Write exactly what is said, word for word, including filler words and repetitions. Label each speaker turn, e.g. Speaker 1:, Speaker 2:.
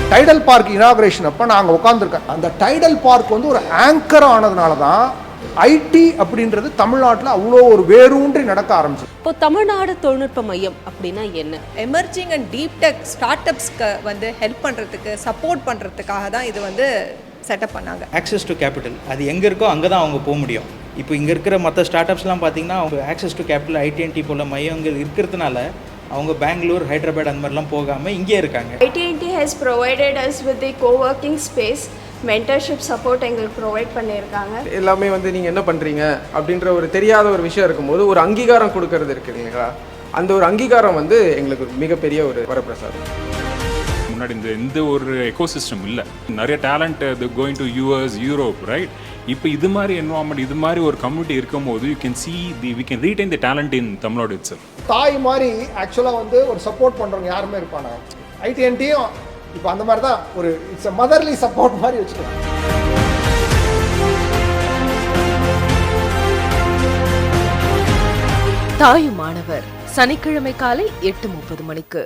Speaker 1: Tidal park inauguration அப்போ நாங்கள் உட்காந்துருக்கேன். அந்த டைடல் பார்க் வந்து ஒரு ஆங்கர் ஆனதுனால தான் ஐடி அப்படின்றது தமிழ்நாட்டில் அவ்வளோ ஒரு வேரூன்றி நடக்க ஆரம்பிச்சு.
Speaker 2: இப்போ தமிழ்நாடு தொழில்நுட்ப மையம் அப்படின்னா என்ன?
Speaker 3: எமர்ஜிங் அண்ட் டீப் டெக் ஸ்டார்ட் அப்ஸ்க்கு வந்து ஹெல்ப் பண்ணுறதுக்கு சப்போர்ட் பண்ணுறதுக்காக தான் இது வந்து செட்டப் பண்ணாங்க.
Speaker 4: ஆக்சஸ் டு கேபிட்டல் அது எங்கே இருக்கோ அங்கே தான் அவங்க போக முடியும். இப்போ இங்கே இருக்கிற மற்ற ஸ்டார்ட் அப்ஸ்லாம் பார்த்தீங்கன்னா அவங்க ஆக்சஸ் டு கேபிட்டல் ஐடிஎன்டி போல மையங்கள் இருக்கிறதுனால அவங்க பெங்களூர், ஹைதராபாத் அந்த மாதிரிலாம் போகாமல் இங்கே இருக்காங்க.
Speaker 5: ITNT has provided us with the co-working space, mentorship support எங்களுக்கு ப்ரொவைட் பண்ணியிருக்காங்க.
Speaker 6: எல்லாமே வந்து நீங்கள் என்ன பண்ணுறீங்க அப்படின்ற ஒரு தெரியாத ஒரு விஷயம் இருக்கும்போது ஒரு அங்கீகாரம் கொடுக்கறது இருக்கு இல்லைங்களா, அந்த ஒரு அங்கீகாரம் வந்து எங்களுக்கு மிகப்பெரிய ஒரு வரப்பிரசாதம்.
Speaker 7: முன்னாடி இந்த எந்த ஒரு எக்கோசிஸ்டம் இல்லை, நிறைய டேலண்ட் அது going to US, Europe, right? இப்போ இது மாதிரி என்வாமெண்ட், இது மாதிரி ஒரு கம்யூனிட்டி இருக்கும்போது you can see the we can retain the talent in Tamil Nadu it's.
Speaker 1: தாய் மாதிரி ஆக்சுவலாக வந்து ஒரு சப்போர்ட் பண்ணுறவங்க யாருமே இருப்பாங்க. ஐடிஎன்டியும் இப்போ அந்த மாதிரி தான் ஒரு இட்ஸ் அ மதர்லி சப்போர்ட் மாதிரி வச்சுக்கலாம்.
Speaker 8: தாயுமானவர் சனிக்கிழமை காலை எட்டு முப்பது மணிக்கு.